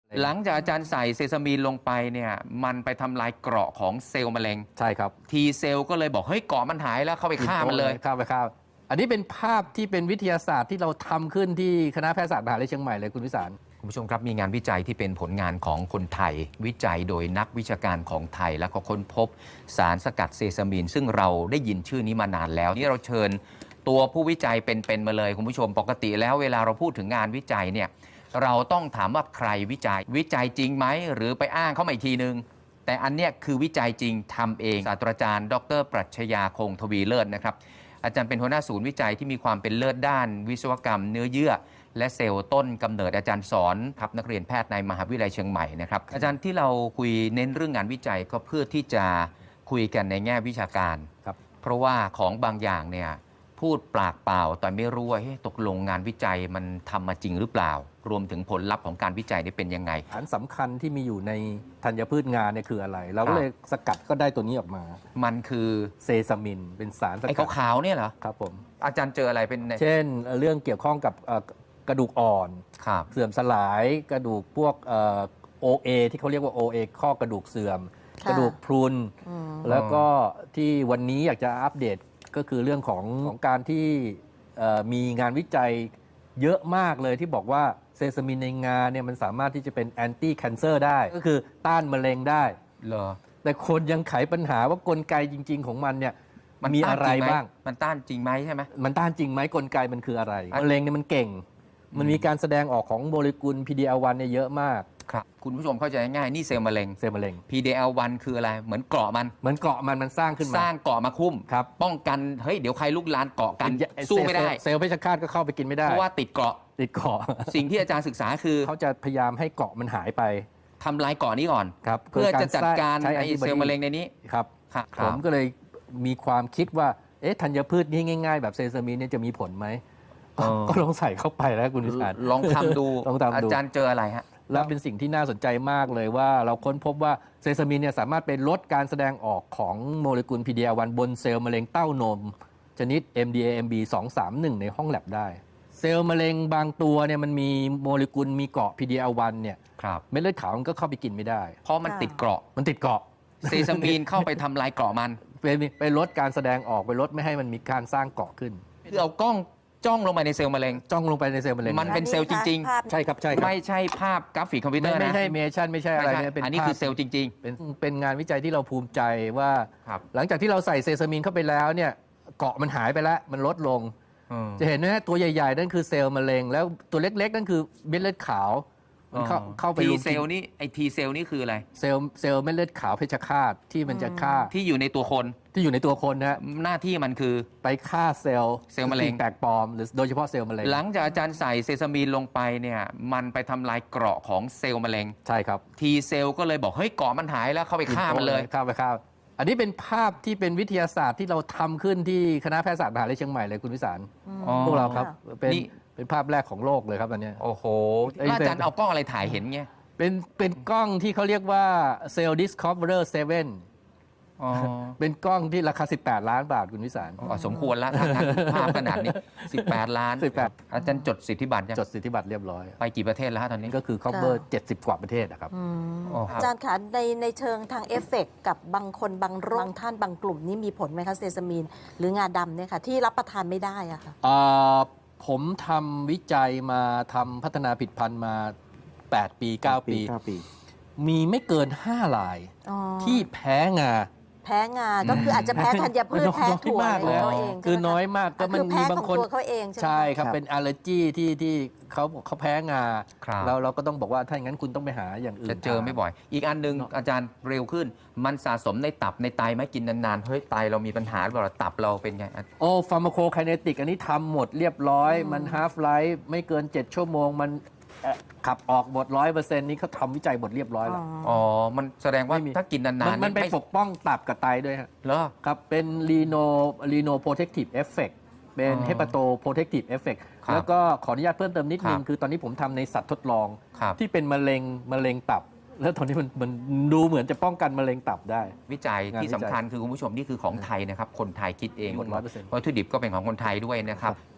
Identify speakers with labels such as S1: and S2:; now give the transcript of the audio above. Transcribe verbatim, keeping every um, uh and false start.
S1: หลังจากอาจารย์ใส่เซซามีนลงไปเนี่ยมันไปทำลายเกราะของเซลล์มะเร็ง
S2: ใช่ครับ
S1: ทีเซลล์ก็เลยบอกเฮ้ยเกราะมันหายแล้วเข้าไปฆ่ามันเลย
S2: ฆ่าไปฆ่าอันนี้เป็นภาพที่เป็นวิทยาศาสตร์ที่เราทำขึ้นที่คณะแพทยศาสตร์มหาวิทยาลัยเชียงใหม่เลยคุณวิสาร
S1: คุณผู้ชมครับมีงานวิจัยที่เป็นผลงานของคนไทยวิจัยโดยนักวิชาการของไทยแล้วก็ค้นพบสารสกัดเซซามีนซึ่งเราได้ยินชื่อนี้มานานแล้วนี่เราเชิญตัวผู้วิจัยเป็นๆมาเลยคุณผู้ชมปกติแล้วเวลาเราพูดถึงงานวิจัยเนี่ยเราต้องถามว่าใครวิจัยวิจัยจริงไหมหรือไปอ้างเขามาอีกทีนึงแต่อันเนี้ยคือวิจัยจริงทำเองศาสตราจารย์ดรปรัชญาคงทวีเลิศนะครับอาจารย์เป็นหัวหน้าศูนย์วิจัยที่มีความเป็นเลิศด้านวิศวกรรมเนื้อเยื่อและเซลล์ต้นกำเนิดอาจารย์สอนครับนักเรียนแพทย์ในมหาวิทยาลัยเชียงใหม่นะครับอาจารย์ที่เราคุยเน้นเรื่องงานวิจัยก็เพื่อที่จะคุยกันในแง่วิชาการ
S2: ครับ
S1: เพราะว่าของบางอย่างเนี่ยพูดปากเปล่าแต่ไม่รู้ว่าตกลงงานวิจัยมันทำมาจริงหรือเปล่ารวมถึงผลลัพธ์ของการวิจัยนี่เป็นยังไง
S2: สารสำคัญที่มีอยู่ในธัญพืชงาเนี่ยคืออะไรเราก็เลยสกัดก็ได้ตัวนี้ออกมา
S1: มันคือ
S2: เซซามินเป็นสารสกัด
S1: ไอ้ขาวๆเนี่ยเหรอ
S2: ครับผม
S1: อาจารย์เจออะไรเป็น
S2: เช่นเรื่องเกี่ยวข้องกับกระดูกอ่อนเสื่อมสลายกระดูกพวกโอเอที่เขาเรียกว่า โอ เอ ข้อกระดูกเสื่อมกระดูกพรุนแล้วก็ที่วันนี้อยากจะอัปเดตก็คือเรื่องของของการที่มีงานวิจัยเยอะมากเลยที่บอกว่าเซซามินในงาเนี่ยมันสามารถที่จะเป็นแอนตี้แคนเซอร์ได้ก็คือต้านมะเร็งได้
S1: เหรอ
S2: แต่คนยังไขปัญหาว่ากลไกจริงๆของมันเนี่ยมันมีอะไรบ้าง
S1: มันต้านจริงไหมใช่ไหม
S2: มันต้านจริงไหมกลไกมันคืออะไรมะเร็งเนี่ยมันเก่งมันมีการแสดงออกของโมเลกุล พี ดี แอล วัน เนี่ยเยอะมาก
S1: ครับคุณผู้ชมเข้าใจง่ายนี่เซลล์มะเร็ง
S2: เซลล์มะเร็ง
S1: พี ดี แอล วัน คืออะไรเหมือนเกราะมัน
S2: เหมือนเกราะมันมันสร้างขึ้นมา
S1: สร้างเกราะมาคุ้ม
S2: ครับ
S1: ป้องกันเฮ้ยเดี๋ยวใครลุกลานเกาะกันสู้ไม่ได้
S2: เซลล์เพชฌฆาตก็เข้าไปกินไม่ได้
S1: เพราะว่าติดเกราะ
S2: ติดเกราะ
S1: สิ่งที่อาจารย์ศึกษาคือ
S2: เขาจะพยายามให้เกราะมันหายไป
S1: ทำลายเกราะนี้ก่อนเพื่อจะจัดการไอเซลล์มะเร็งในนี้
S2: ครับผมก็เลยมีความคิดว่าเอ๊ะธัญพืชนี่ง่ายๆแบบเซซามินเนี่ยจะมีผลไหมก็ลองใส่เข้าไปแล้วคุณวิสาร
S1: ลองทำดูอาจารย์เจออะไรฮะ
S2: แล้วเป็นสิ่งที่น่าสนใจมากเลยว่าเราค้นพบว่าเซซามินเนี่ยสามารถเป็นลดการแสดงออกของโมเลกุล พี ดี แอล วัน บนเซลล์มะเร็งเต้านมชนิด เอ็ม ดี เอ เอ็ม บี สองสามหนึ่ง ในห้องแลบได้เซลล์มะเร็งบางตัวเนี่ยมันมีโมเลกุลมีเกาะ พี ดี แอล วัน เนี่ยเม็ดเลือดขาวมันก็เข้าไปกินไม่ได้
S1: เพราะมันติดเกราะ
S2: มันติดเกราะ
S1: เซซามีนเข้าไปทำลายเกราะมัน
S2: ไปไปลดการแสดงออกไปลดไม่ให้มันมีการสร้างเกราะขึ้น
S1: คือเอากล้องจ้องลงไปในเซลล์มะเร็ง
S2: จ้องลงไปในเซลล์มะเร็ง
S1: มันเป็นเซลล์จริง
S2: ๆใช่ครับใช่
S1: ไม่ใช่ภาพกราฟิกคอมพิวเตอร์นะ
S2: ไม่ใช่เมชั่นไม่ใช่อะไร
S1: เนี่ยอันนี้คือเซลล์จริง
S2: ๆเป็นเป็นงานวิจัยที่เราภูมิใจว่าหลังจากที่เราใส่เซซามินเข้าไปแล้วเนี่ยเกาะมันหายไปแล้วมันลดลงจะเห็นว่าตัวใหญ่ๆนั่นคือเซลล์มะเร็งแล้วตัวเล็กๆนั่นคือเม็ดเลือดขาว
S1: มันเข้าเข้าไปทีเซลล์นี่ไอทีเซลล์นี่คืออะไร
S2: เซลล์เซลล์เม็ดเลือดขาวเพชฌฆาตที่มันจะฆ่า
S1: ที่อยู่ในตัวคน
S2: ที่อยู่ในตัวคนนะ
S1: หน้าที่มันคือ
S2: ไปฆ่าเซลล์
S1: เซลล์มะเร็ง
S2: แปลกปลอมหรือโดยเฉพาะเซลล์มะเร็ง
S1: หลังจากอาจารย์ใส่เซซามีนลงไปเนี่ยมันไปทำลายเกราะของเซลล์มะเร็ง
S2: ใช่ครับ
S1: ทีเซลล์ก็เลยบอกเฮ้ยเกราะมันหายแล้วเข้าไปฆ่ามันเลย
S2: ฆ่าไปฆ่าอันนี้เป็นภาพที่เป็นวิทยาศาสตร์ที่เราทำขึ้นที่คณะแพทยศาสตร์มหาวิทยาลัยเชียงใหม่เลยคุณวิสารพวกเราครับเป็นเป็นภาพแรกของโลกเลยครับอันนี้
S1: โอ้โหอาจารย์เอากล้องอะไรถ่ายเห็นเงี้ย
S2: เป็นเป็นกล้องที่เขาเรียกว่า Cell Discoverer เซเว่นเป็นกล้องที่ราคาสิบแปดล้านบาทคุณวิสาร
S1: สมควรแล้วทางภาพขนาดนี้สิบแปดล้าน
S2: สิบแปด
S1: อาจารย์จดสิทธิบัตรยัง
S2: จดสิทธิบัตรเรียบร้อย
S1: ไปกี่ประเทศแล้วตอนนี้
S2: ก็คือ cover เจ็ดสิบกว่าประเทศนะครับ
S3: อาจารย์คะในในเชิงทางเอฟเฟกต์กับบางคนบางโรคบางท่านบางกลุ่มนี้มีผลไหมคะเซซามีนหรืองาดำเนี่ยค่ะที่รับประทานไม่ได้อะค่ะ
S2: ผมทำวิจัยมาทำพัฒนาผลิตภัณฑ์มาแปดปีเก้าปีมีไม่เกินห้ารายที่แพ้งา
S3: แพ้งาก็คืออาจจะแพ้ธัญพืชแพ้ถั่วอะไรเขาเอง
S2: คือน้อยมากก็มันมีบางคน
S3: เขาเอง
S2: ใช่ครับเป็นอัลเลอร์จีที่ที่เขาเขาแพ้งาแล้วเราก็ต้องบอกว่าถ้าอย่างนั้นคุณต้องไปหาอย่างอื่น
S1: จะเจอไม่บ่อยอีกอันนึงอาจารย์เร็วขึ้นมันสะสมในตับในไตไหมกินนานๆเฮ้ยไตเรามีปัญหาหรือเปล่าตับเราเป็นไง
S2: โอ้ฟาร์มาโคไคเนติกอันนี้ทำหมดเรียบร้อยมันฮาฟไลฟ์ไม่เกินเจ็ดชั่วโมงมันขับออกหมดร้อยเปอร์เซ็นต์นี้เขาทำวิจัยหมดเรียบร้อยแล้ว
S1: อ๋อมันแสดงว่าถ้ากินนาน
S2: ๆมันไปปกป้องตับกับไตด้วยฮะ
S1: เหรอ
S2: ครับเป็น Reno Reno Protective Effect เป็น Hepato Protective Effect แล้วก็ขออนุญาตเพิ่มเติมนิดนึงคือตอนนี้ผมทำในสัตว์ทดลองที่เป็นมะเร็งมะเร็งตับแล้วตอนนี้มันมันดูเหมือนจะป้องกันมะเร็งตับได้
S1: วิจัยที่สำคัญคือคุณผู้ชมนี่คือของไทยนะครับคนไทยคิดเองวัตถุดิบก็เป็นของคนไทยด้วยนะครับ